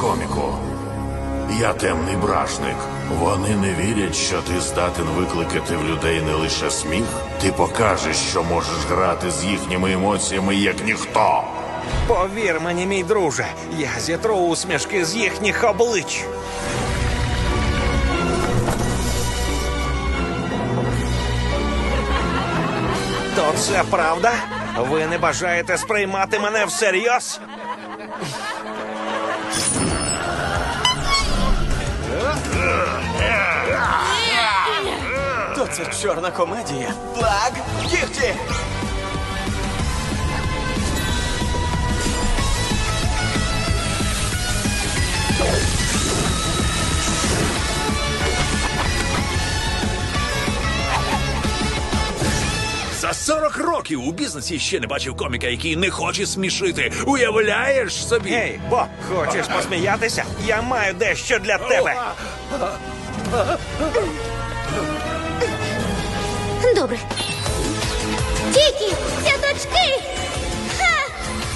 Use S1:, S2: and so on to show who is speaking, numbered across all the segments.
S1: Психокоміку. Я темний бражник. Вони не вірять, що ти здатен викликати в людей не лише сміх. Ти покажеш, що можеш грати з їхніми емоціями, як ніхто.
S2: Повір мені, мій друже, я зітру усмішки з їхніх облич. То це правда? Ви не бажаєте сприймати мене всерйоз?
S3: То це чорна комедія. Плаг, кіхті!
S4: За 40 років у бізнесі ще не бачив коміка, який не хоче смішити. Уявляєш собі?
S2: Гей, Боб, хочеш посміятися? Я маю дещо для тебе.
S5: Добре. Тікі, цяточки! Ха!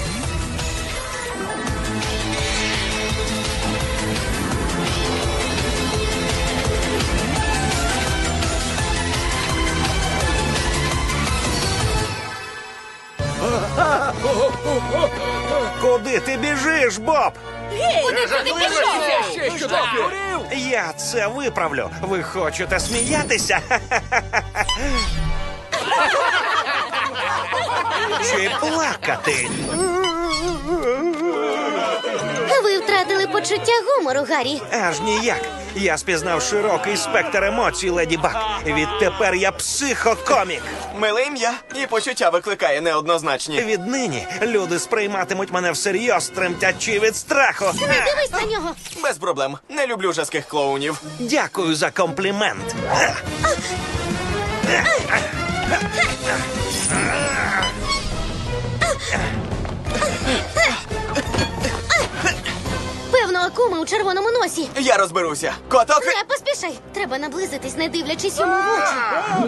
S2: Куди ти біжиш, Боб?
S5: Куди ти пішов?
S2: Я це виправлю. Ви хочете сміятися? Чи плакати?
S5: Ви втратили почуття гумору, Гаррі.
S2: Аж ніяк. Я спізнав широкий спектр емоцій, Леді Баг. Відтепер я психокомік.
S3: Миле ім'я і почуття викликає неоднозначні.
S2: Віднині люди сприйматимуть мене всерйоз, тремтячи від страху.
S5: Не дивись на нього.
S3: Без проблем. Не люблю жаских клоунів.
S2: Дякую за комплімент.
S5: Певно, акума у червоному носі.
S3: Я розберуся. Коток!
S5: Не поспішай. Треба наблизитись, не дивлячись йому в очі.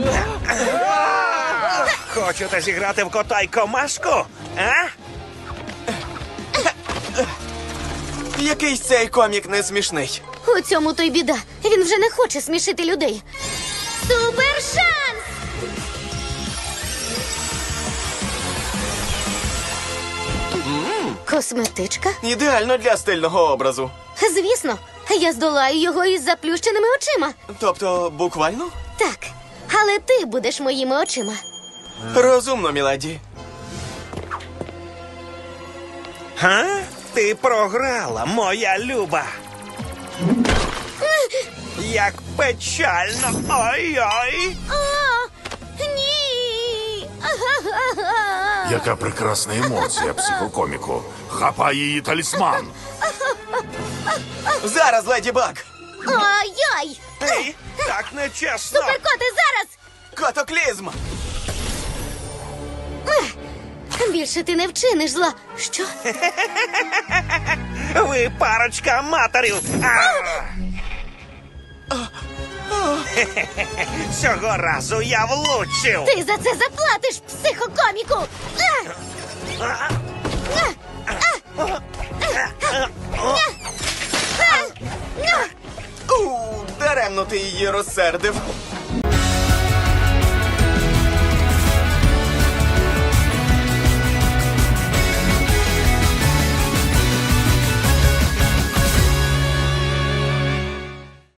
S2: Хочете зіграти в кота й комашку? А?
S3: Якийсь цей комік не смішний.
S5: У цьому то й біда. Він вже не хоче смішити людей. Супершанс! Косметичка?
S3: Ідеально для стильного образу.
S5: Звісно. Я здолаю його із заплющеними очима.
S3: Тобто, буквально?
S5: Так. Але ти будеш моїми очима.
S3: Розумно, міледі.
S2: Га? Ти програла, моя люба. Як печально. Ой-ой.
S5: О, ні!
S1: Яка прекрасна емоція, психокоміку. Хапай її талісман.
S3: Зараз, леді Баг!
S5: Ой-ой!
S2: Ей, так нечесно.
S5: Суперкоти, зараз!
S3: Котоклізм!
S5: Більше ти не вчиниш зла. Що?
S2: Ви парочка аматорів. Цього разу я влучив.
S5: Ти за це заплатиш, психокоміку!
S3: Даремно ти її розсердив.